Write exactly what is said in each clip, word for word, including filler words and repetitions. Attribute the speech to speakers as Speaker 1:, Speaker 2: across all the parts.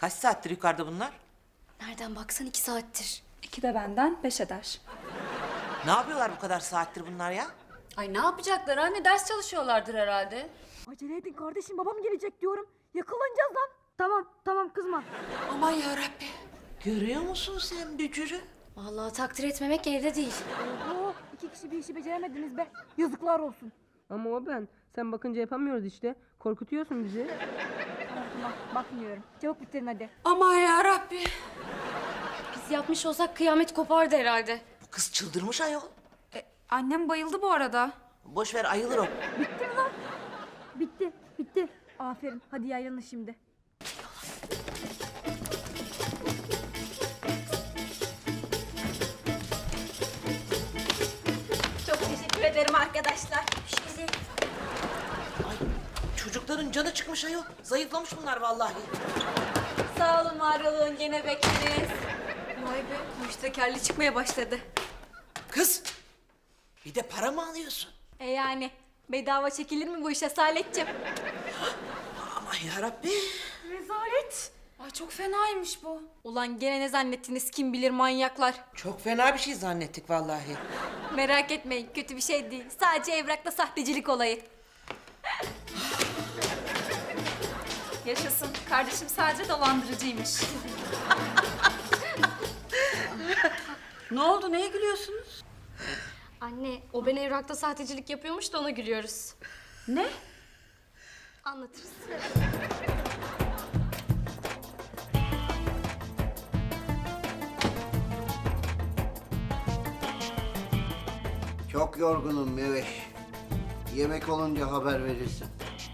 Speaker 1: Kaç saattir yukarıda bunlar?
Speaker 2: Nereden baksan iki saattir.
Speaker 3: İki de benden beş eder.
Speaker 1: Ne yapıyorlar bu kadar saattir bunlar ya?
Speaker 2: Ay ne yapacaklar anne? Ders çalışıyorlardır herhalde.
Speaker 4: Acele edin kardeşim, babam gelecek diyorum. Yakalanacağız lan. Tamam tamam, kızma.
Speaker 2: Aman yarabbi.
Speaker 1: Görüyor musun sen bücürü?
Speaker 2: Vallahi takdir etmemek elde değil.
Speaker 4: Oo, iki kişi bir işi beceremediniz be. Yazıklar olsun.
Speaker 5: Ama o ben. Sen bakınca yapamıyoruz işte. Korkutuyorsun bizi.
Speaker 4: Tamam tamam, bakmıyorum. Çabuk bitirin hadi.
Speaker 2: Aman yarabbi. Biz yapmış olsak kıyamet kopardı herhalde.
Speaker 1: Bu kız çıldırmış ayol.
Speaker 3: E, annem bayıldı bu arada.
Speaker 1: Boş ver, ayılır o.
Speaker 4: Bitti mi lan? Bitti bitti. Aferin, hadi yaylanın şimdi.
Speaker 6: Çok teşekkür ederim arkadaşlar.
Speaker 1: Ay, çocukların canı çıkmış ayol. Zayıflamış bunlar vallahi.
Speaker 6: Sağ olun, var olun, gene bekleriz.
Speaker 2: Vay be, müştekerli çıkmaya başladı.
Speaker 1: Kız, bir de para mı alıyorsun?
Speaker 6: E yani bedava çekilir mi bu işe Saletciğim?
Speaker 1: Aman yarabbi.
Speaker 2: Rezalet. Ay çok fenaymış bu. Ulan gene ne zannettiniz kim bilir manyaklar.
Speaker 1: Çok fena bir şey zannettik vallahi.
Speaker 6: Merak etmeyin, kötü bir şey değil. Sadece evrakta sahtecilik olayı.
Speaker 3: Yaşasın. Kardeşim sadece dolandırıcıymış.
Speaker 7: Ne oldu? Neye gülüyorsunuz?
Speaker 2: Anne o ben evrakta sahtecilik yapıyormuş da ona gülüyoruz.
Speaker 7: Ne?
Speaker 2: Anlatırız.
Speaker 8: Çok yorgunum Meveş. Yemek olunca haber verirsin.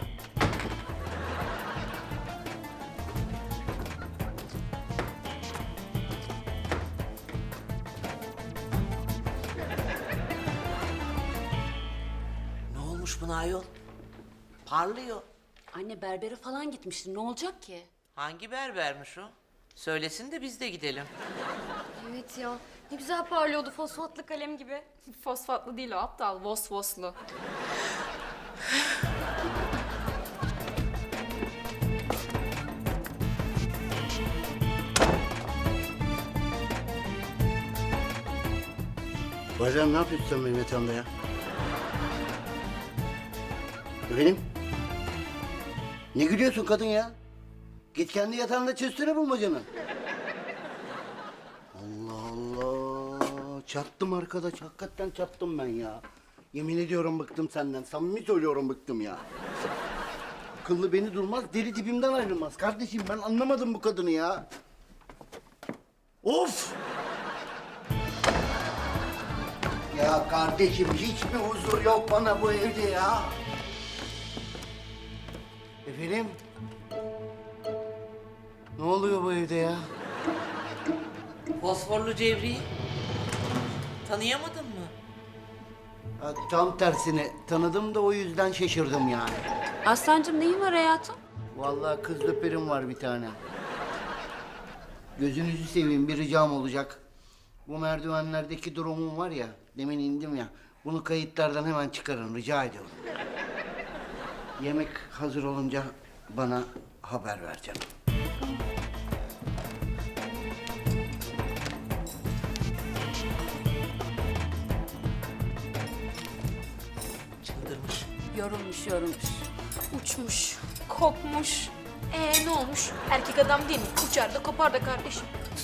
Speaker 1: Ne olmuş buna ayol? Parlıyor.
Speaker 7: Anne berbere falan gitmişti. Ne olacak ki?
Speaker 1: Hangi berbermiş o? Söylesin de biz de gidelim.
Speaker 2: Evet ya ne güzel parlıyordu fosfatlı kalem gibi.
Speaker 3: Fosfatlı değil o aptal. Vosvoslu.
Speaker 8: Bazen ne yapıyorsun sen benim yatağımda ya? Efendim? Ne gülüyorsun kadın ya? Git kendi yatağında çözsene bulmacanı. Allah Allah. Çattım arkadaş. Hakikaten çattım ben ya. Yemin ediyorum bıktım senden. Samimi söylüyorum bıktım ya. Akıllı beni durmaz, deli dibimden ayrılmaz. Kardeşim ben anlamadım bu kadını ya. Of! Ya kardeşim hiç mi huzur yok bana bu evde ya? Efendim? Ne oluyor bu evde ya?
Speaker 1: Fosforlu Cevri'yi tanıyamadın mı?
Speaker 8: Ha, tam tersine tanıdım da o yüzden şaşırdım yani.
Speaker 7: Aslancığım neyin var hayatım?
Speaker 8: Vallahi kız löperim var bir tane. Gözünüzü seveyim, bir ricam olacak. Bu merdivenlerdeki durumum var ya, demin indim ya. Bunu kayıtlardan hemen çıkarın, rica ediyorum. Yemek hazır olunca bana haber ver canım.
Speaker 1: Çıldırmış.
Speaker 7: Yorulmuş yorulmuş.
Speaker 2: Uçmuş, kopmuş. Ee ne olmuş? Erkek adam değil mi? Uçar da kopar da kardeşim.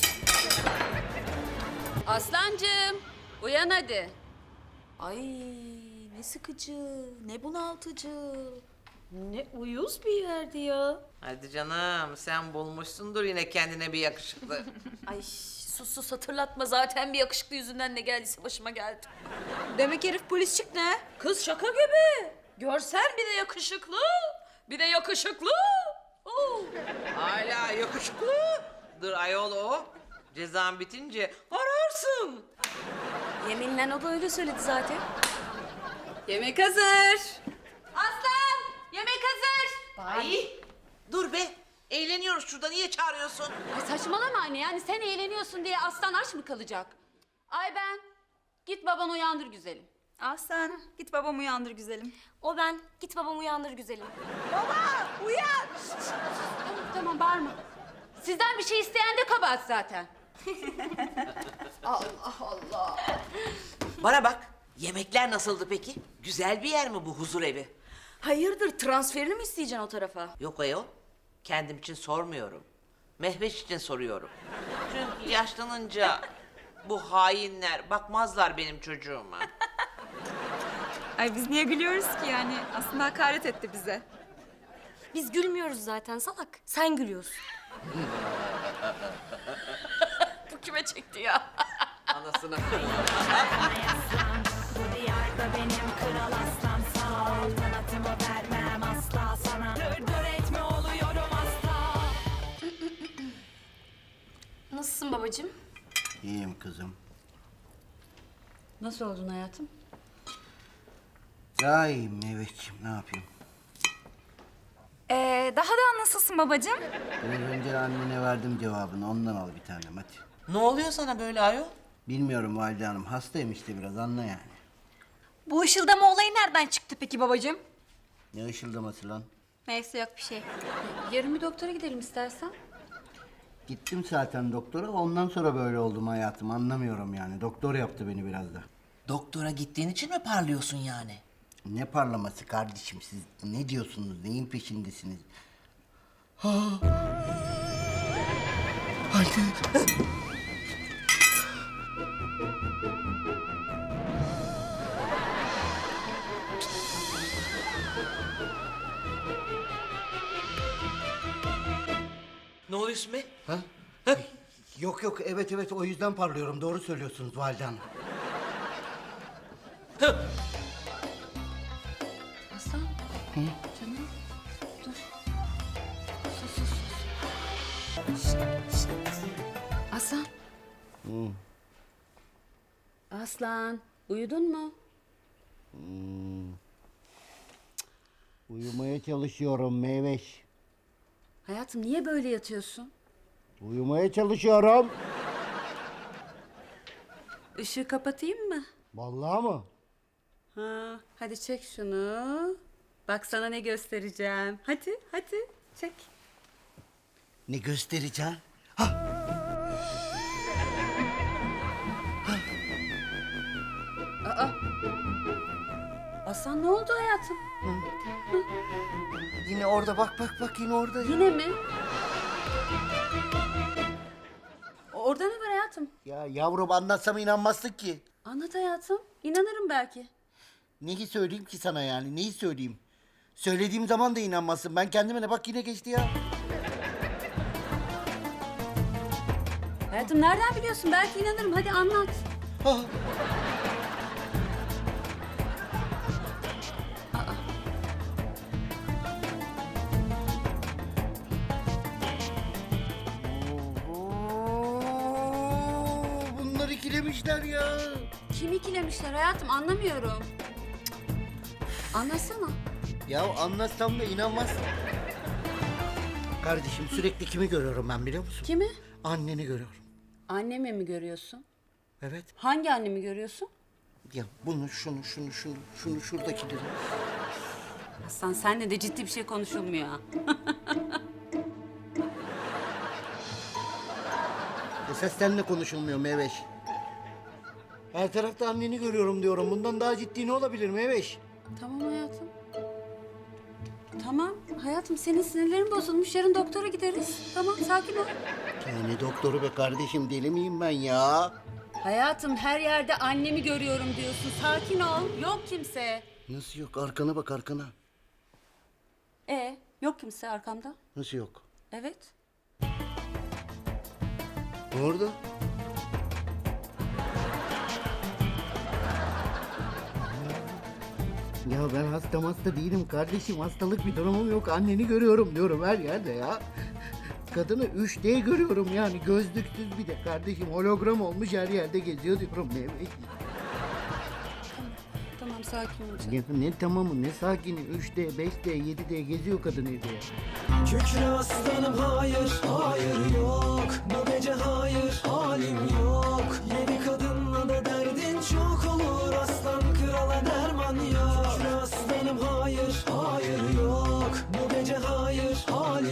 Speaker 7: Aslancığım uyan hadi. Ay ne sıkıcı, ne bunaltıcı. Ne uyuz bir yerdi ya.
Speaker 1: Hadi canım, sen bulmuşsundur yine kendine bir yakışıklı.
Speaker 7: Ay sus sus hatırlatma, zaten bir yakışıklı yüzünden ne geldiyse başıma geldi.
Speaker 2: Demek herif polis çıktı ha?
Speaker 7: Kız şaka gibi. Görsen bir de yakışıklı. Bir de yakışıklı. Oo.
Speaker 1: Hala yakışıklı. Dur ayol o. Cezan bitince ararsın.
Speaker 7: Yeminle o da öyle söyledi zaten. Yemek hazır. Aslan yemek hazır.
Speaker 1: Ay, dur be. Eğleniyoruz şurada, niye çağırıyorsun?
Speaker 7: Ay saçmalama anne, yani sen eğleniyorsun diye aslan aç mı kalacak? Ay ben git babanı uyandır güzelim.
Speaker 3: Aslan git babamı uyandır güzelim.
Speaker 2: O ben. Git babamı uyandır güzelim.
Speaker 7: Tamam tamam bağırma. Sizden bir şey isteyen de kabahat zaten.
Speaker 1: Bana bak, yemekler nasıldı peki? Güzel bir yer mi bu huzur evi?
Speaker 4: Hayırdır transferini mi isteyeceksin o tarafa?
Speaker 1: Yok ayol, kendim için sormuyorum. Mehveş için soruyorum. Çünkü yaşlanınca bu hainler bakmazlar benim çocuğuma.
Speaker 3: Ay biz niye gülüyoruz ki yani? Aslında hakaret etti bize.
Speaker 6: Biz gülmüyoruz zaten salak. Sen gülüyorsun.
Speaker 2: Bu kime çekti ya?
Speaker 1: Anasını.
Speaker 6: Nasılsın babacığım?
Speaker 8: İyiyim kızım.
Speaker 7: Nasıl oldun hayatım?
Speaker 8: Daha iyiyim Meyveciğim, ne yapayım?
Speaker 3: Ee, daha da nasılsın babacığım?
Speaker 8: Biraz önce annene verdim cevabını, ondan al bir tanem hadi.
Speaker 1: Ne oluyor sana böyle ayol?
Speaker 8: Bilmiyorum Valide Hanım, hastayım işte biraz, anla yani.
Speaker 6: Bu ışıldama olayı nereden çıktı peki babacığım?
Speaker 8: Ne ışıldaması lan?
Speaker 6: Neyse yok bir şey.
Speaker 7: Yarın bir doktora gidelim istersen.
Speaker 8: Gittim zaten doktora, ondan sonra böyle oldum hayatım, anlamıyorum yani. Doktor yaptı beni biraz da.
Speaker 1: Doktora gittiğin için mi parlıyorsun yani?
Speaker 8: Ne parlaması kardeşim, siz ne diyorsunuz, neyin peşindesiniz?
Speaker 1: Ne oluyorsun be?
Speaker 8: Ha? Yok yok, evet evet, o yüzden parlıyorum, doğru söylüyorsunuz Valide Hanım.
Speaker 7: Aslan. Canım. Dur. Sus sus sus. Şşt, şşt. Aslan. Aslan. Uyudun mu?
Speaker 8: Uyumaya çalışıyorum Meyveş.
Speaker 7: Hayatım niye böyle yatıyorsun?
Speaker 8: Uyumaya çalışıyorum.
Speaker 7: Işığı kapatayım mı?
Speaker 8: Vallahi mı?
Speaker 7: Ha, hadi çek şunu. Bak sana ne göstereceğim. Hadi, hadi çek.
Speaker 8: Ne göstereceğim?
Speaker 7: Aslan ne oldu hayatım?
Speaker 8: Yine orada, bak bak bak, yine orada. ya.
Speaker 7: Yine mi? Orada ne var hayatım?
Speaker 8: Ya yavrum, anlatsam inanmazsın ki.
Speaker 7: Anlat hayatım. İnanırım belki.
Speaker 8: Neyi söyleyeyim ki sana yani, neyi söyleyeyim? Söylediğim zaman da inanmazsın. Ben kendime ne, bak yine geçti ya.
Speaker 7: Hayatım nereden biliyorsun? Belki inanırım. Hadi anlat.
Speaker 8: Ah. Oo, bunlar ikilemişler ya.
Speaker 7: Kim ikilemişler hayatım? Anlamıyorum. Anlatsana.
Speaker 8: Ya anlatsam da inanmazsın. Kardeşim, sürekli kimi görüyorum ben biliyor musun?
Speaker 7: Kimi?
Speaker 8: Anneni görüyorum.
Speaker 7: Annemi mi görüyorsun?
Speaker 8: Evet.
Speaker 7: Hangi annemi görüyorsun?
Speaker 8: Ya bunu, şunu, şunu, şunu, şunu, şuradakileri.
Speaker 7: Aslan senle de ciddi bir şey konuşulmuyor ha.
Speaker 8: Esas seninle konuşulmuyor Meveş. Her tarafta anneni görüyorum diyorum. Bundan daha ciddi ne olabilir Meveş?
Speaker 7: Tamam hayatım. Tamam hayatım, senin sinirlerin bozulmuş. Yarın doktora gideriz. Tamam, sakin ol.
Speaker 8: Ya ne doktoru be kardeşim, deli miyim ben ya?
Speaker 7: Hayatım her yerde annemi görüyorum diyorsun. Sakin ol. Yok kimse.
Speaker 8: Nasıl yok? Arkana bak, arkana.
Speaker 7: E yok kimse arkamda.
Speaker 8: Nasıl yok?
Speaker 7: Evet.
Speaker 8: Orada. Ya ben hasta hasta değilim kardeşim. Hastalık bir durumum yok. Anneni görüyorum diyorum her yerde ya. Kadını üç D görüyorum yani. Gözlüksüz bir de kardeşim. Hologram olmuş, her yerde geziyor diyorum. Ne,
Speaker 7: Tamam sakin ol.
Speaker 8: ne, ne tamamı, ne sakini. üç D, beş D, yedi D geziyor kadın evde ya.
Speaker 9: Kükre aslanım hayır, hayır yok. Bu gece hayır, halim yok. Yedi kadınla da derdin çok olur. Aslan krala derman yok. Kükre aslanım hayır, hayır yok. Bu gece hayır, halim